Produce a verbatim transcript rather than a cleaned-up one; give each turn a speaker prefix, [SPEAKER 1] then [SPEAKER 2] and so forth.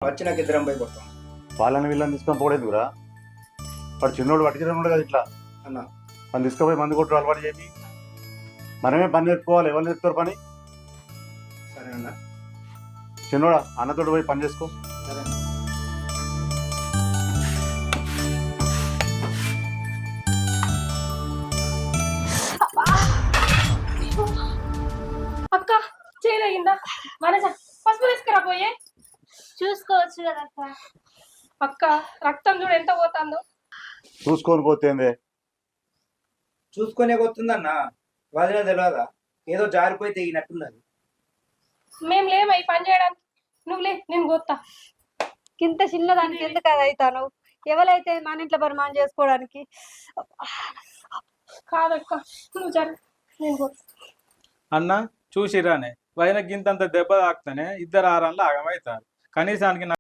[SPEAKER 1] వచ్చినాక ఇద్దరం పోయి కొడతాం.
[SPEAKER 2] వాళ్ళని వీళ్ళని తీసుకొని పోలేదు కూడా వాడు చిన్నోడు పట్టుకుని కదా ఇట్లా
[SPEAKER 1] అన్న
[SPEAKER 2] మనం తీసుకుపోయి మందు కొట్టు అలవాటు చేసి మనమే పని నేర్చుకోవాలి. ఎవరు నేర్పుతారు పని?
[SPEAKER 1] సరే అన్న.
[SPEAKER 2] చిన్నోడా అన్నతోటి పోయి పని చేసుకో.
[SPEAKER 1] సరే
[SPEAKER 3] అక్క చేయదగిందా మనస పసుపు తీసుకురా పోయే
[SPEAKER 4] చూసుకోవచ్చు కదా అక్క.
[SPEAKER 3] అక్క రక్తం చూడు ఎంత పోతుందో.
[SPEAKER 2] చూసుకొని పోతేందే
[SPEAKER 1] చూసుకునే కొత్తుందన్న. వదిన తెలియదా ఏదో జారిపోయి తెగినట్టున్నది.
[SPEAKER 3] మేం లేమా ఈ పని చేయడానికి. నువ్వులే నేను గొత్తా.
[SPEAKER 4] ఇంత చిన్నదానికి ఎందుకు అది అవుతాను? ఎవరైతే మన ఇంట్లో పని మనం చేసుకోవడానికి.
[SPEAKER 3] కాదక్క నువ్వు జరు నేను గొత్తా.
[SPEAKER 5] అన్న చూసిరానే వదిన గింతంత దెబ్బ తాకుతానే ఇద్దరు ఆరన్లు ఆగమవుతారు. కనీసానికి